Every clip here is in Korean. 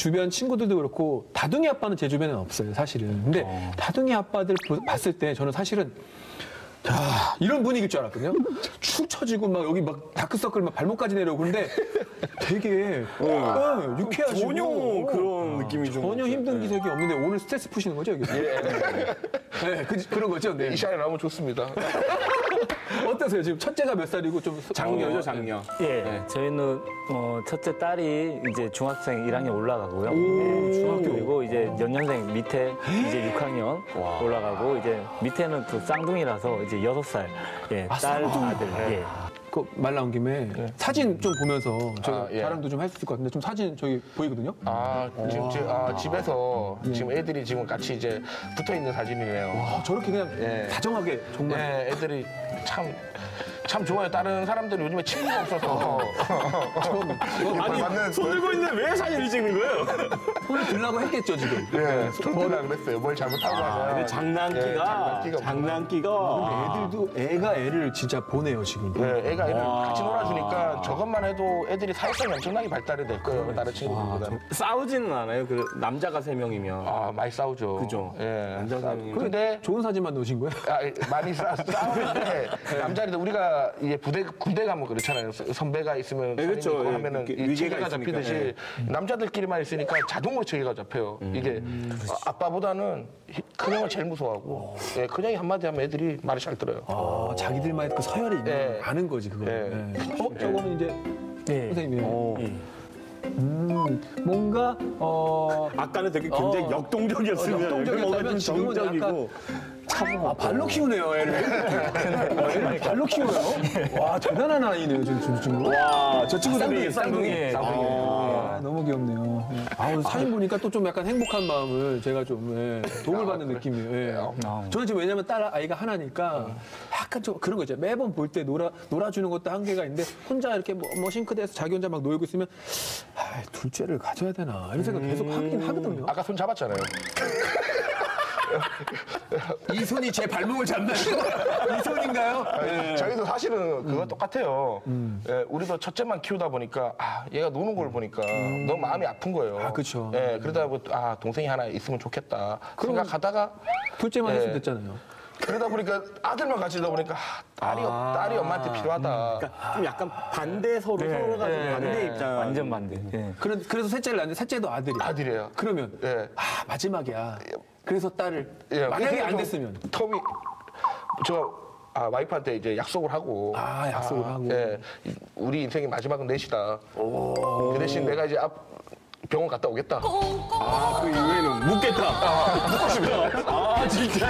주변 친구들도 그렇고 다둥이 아빠는 제 주변에는 없어요, 사실은. 근데 다둥이 아빠들 봤을 때 저는 사실은 이런 분위기일 줄 알았거든요. 축 처지고 막 여기 막 다크서클 막 발목까지 내려오고 그런데 되게 유쾌하시고 전혀 그런 느낌이 좀 전혀 힘든 기색이 없는데 오늘 스트레스 푸시는 거죠, 여기? 네, 그런 거죠. 네. 이 시간에 나오면 좋습니다. 어떠세요? 지금 첫째가 몇 살이고 좀 장녀죠, 장녀. 예, 저희는 첫째 딸이 이제 중학생 1학년 올라가고요. 중학교. 그리고 이제 연년생 밑에 이제 6학년 올라가고 이제 밑에는 또 쌍둥이라서 이제 6살 딸 아들. 예. 말 나온 김에 사진 좀 보면서 제가 예. 자랑도 좀 할 수 있을 것 같은데 좀 사진 저기 보이거든요. 지금 집에서 지금 애들이 지금 같이 이제 붙어 있는 사진이네요. 저렇게 그냥 다정하게 정말. 네, 애들이 참 좋아요. 다른 사람들은 요즘에 친구가 없어서. 아니, 손 들고 있는데 왜 사진을 찍는 거예요? 손을 들라고 했겠죠, 지금. 예, 손들라 그랬어요. 뭘 잘못하고 하면. 근데 장난기가 애들도 애가 애를 진짜 보내요, 지금. 네, 애가 애를 같이 놀아주니까 저것만 해도 애들이 사회성이 엄청나게 발달이 될 거예요. 다른 친구들보다는. 싸우지는 않아요. 그 남자가 3명이면. 많이 싸우죠. 그죠. 예. 남자 3명이면. 근데 좋은 사진만 넣으신 거예요? 많이 싸우는데 남자들도 우리가 이제 군대 가면 그렇잖아요. 선배가 있으면 그렇죠. 있고 하면은 이렇게 이 위계가 체계가 있으니까. 잡히듯이 남자들끼리만 있으니까 자동으로 체계가 잡혀요. 이게 아빠보다는 큰형을 제일 무서워하고 큰형이 한마디 하면 애들이 말을 잘 들어요. 자기들만의 그 서열이 있는 네. 거 아는 거지, 그거. 네. 저거는 이제 선생님이에요. 뭔가 아까는 되게 굉장히 역동적이었으면 뭔가 좀 지금은 정적이고. 발로 키우네요, 애를. 애를 발로 키워요? 와, 대단한 아이네요, 지금. 와, 저 친구들이 쌍둥이. 너무 귀엽네요. 사진 보니까 또 좀 약간 행복한 마음을 제가 좀 도움을 받는 느낌이에요. 저는 지금 왜냐면 딸 아이가 하나니까 약간 좀 그런 거 있잖아요. 매번 볼 때 놀아주는 것도 한계가 있는데 혼자 이렇게 뭐 싱크대에서 자기 혼자 막 놀고 있으면 둘째를 가져야 되나 이런 생각 계속 하긴 하거든요. 아까 손 잡았잖아요. 이 손이 제 발목을 잡나요? 이 손인가요? 저희도 사실은 그거 똑같아요. 우리도 첫째만 키우다 보니까 얘가 노는 걸 보니까 너무 마음이 아픈 거예요. 그렇죠. 그러다 보니까 동생이 하나 있으면 좋겠다 생각하다가 둘째만 했으면 됐잖아요. 그러다 보니까 아들만 가지다 보니까 딸이 엄마한테 필요하다. 그러니까 좀 약간 반대 서로가 좀 반대 입장. 완전 반대. 그래서 셋째를 낳는데 셋째도 아들이에요. 아들이에요. 그러면 마지막이야. 그래서 딸을 만약에 안 됐으면 톰이 와이프한테 이제 약속을 하고 약속을 하고 우리 인생의 마지막은 넷이다. 그 대신 내가 이제 병원 갔다 오겠다. 그 이후에는 묻겠다. 묻겠다. 진짜.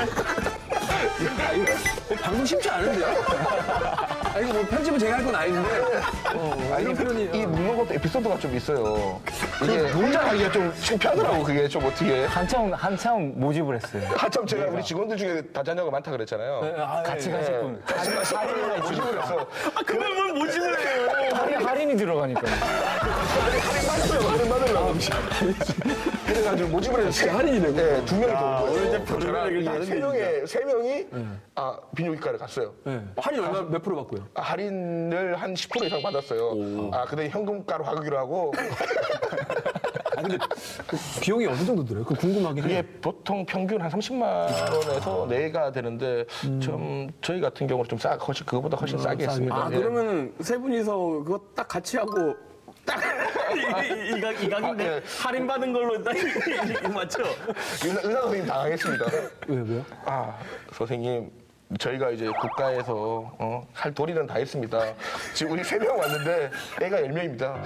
방송 쉽지 않은데요? 이거 뭐 편집은 제가 할 건 아닌데 이런 표현이 이 묻는 것도 에피소드가 좀 있어요. 이게 혼자 하기가 좀 창피하더라고. 그게 좀 어떻게 한참 모집을 했어요. 한참 제가 우리 직원들 중에 다자녀가 많다 그랬잖아요. 같이 가실 분. 모집을 했어. 그걸 뭘 모집을 해요. 할인이 들어가니까. 할인 받으려고. 그래가지고 모집을 해서 할인이 되고. 2명이 더. 오늘 이제 별의별 얘기 하는 세 명이 비뇨기과를 갔어요. 할인 몇 프로 받고요? 할인을 한 10% 이상 받았어요. 근데 현금가로 하기로 하고. 근데 그 비용이 어느 정도 들어요? 그 궁금하긴 해요. 이게 보통 평균 한 30만 원에서 내가 되는데 좀 저희 같은 경우는 좀 그거보다 훨씬 싸게 했습니다. 그러면 세 분이서 그거 딱 같이 하고 딱 이 가격인데 할인 받은 걸로 딱 맞죠? 의사 선생님 당황했습니다. 왜요? 선생님. 저희가 이제 국가에서 할 도리는 다 했습니다. 지금 우리 3명 왔는데 애가 10명입니다.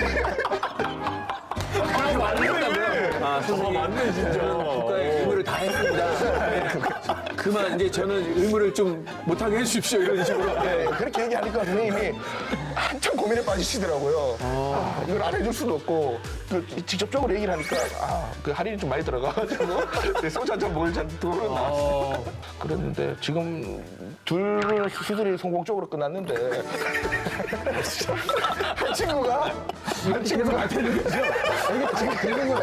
선생님. 맞네, 진짜. 국가의 의무를 다 했습니다. 그만 이제 저는 의무를 좀 못하게 해주십시오. 이런 식으로. 그렇게 얘기하니까 선생님이 한참 고민에 빠지시더라고요. 이걸 안 해줄 수도 없고 직접적으로 얘기를 하니까 그 할인이 좀 많이 들어가가지고 소주 한잔 먹을 돈은 나왔어요. 그랬는데 지금 둘 수술이 성공적으로 끝났는데 한 친구가 계속 갈 텐데 그죠? 이게 지금 계속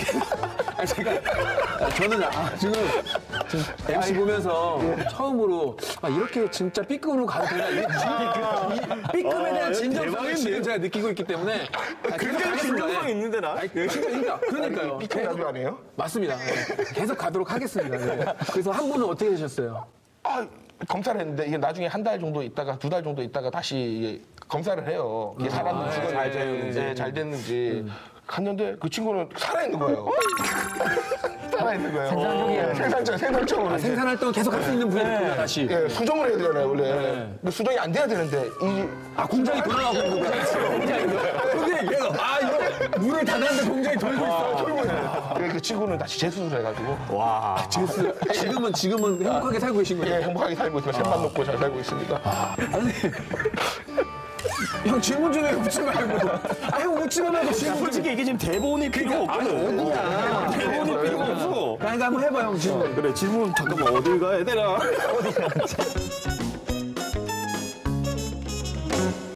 저는 지금 MC 보면서 처음으로 이렇게 진짜 B급으로 가도 되나? B급에 대한 진정성을 지금 제가 느끼고 있기 때문에 굉장히 진정성 있는데 나. 그러니까요. B급 라디오 아니에요? 맞습니다. 계속 가도록 하겠습니다. 네. 그래서 한 분은 어떻게 되셨어요? 검사를 했는데 이게 나중에 한 달 정도 있다가 2달 정도 있다가 다시 이게 검사를 해요. 이게 살았는지 잘 됐는지 갔는데 그 친구는 살아있는 거예요. 살아있는 거예요. 생산적으로. 생산 활동을 계속 할 수 있는 분이구나 다시. 예, 수정을 해야 되잖아요, 원래. 근데 수정이 안 돼야 되는데, 공장이 돌아가고 있는 거야. 공장이 계속 이거 문을 닫았는데 공장이 돌고 있어. 그 친구는 다시 재수술을 해가지고. 와. 지금은 행복하게 살고 계신 거예요? 예, 행복하게 살고 있습니다. 샘만 놓고 잘 살고 있습니다. 형 질문 중에 웃지 말고. 형 웃지 말고 질문 솔직히 이게 지금 대본이 필요가 없거든. 어디야. 대본이 필요가 없어. 그러니까 한번 해봐 형 질문. 그래 질문 잠깐만 어딜 가야 되나?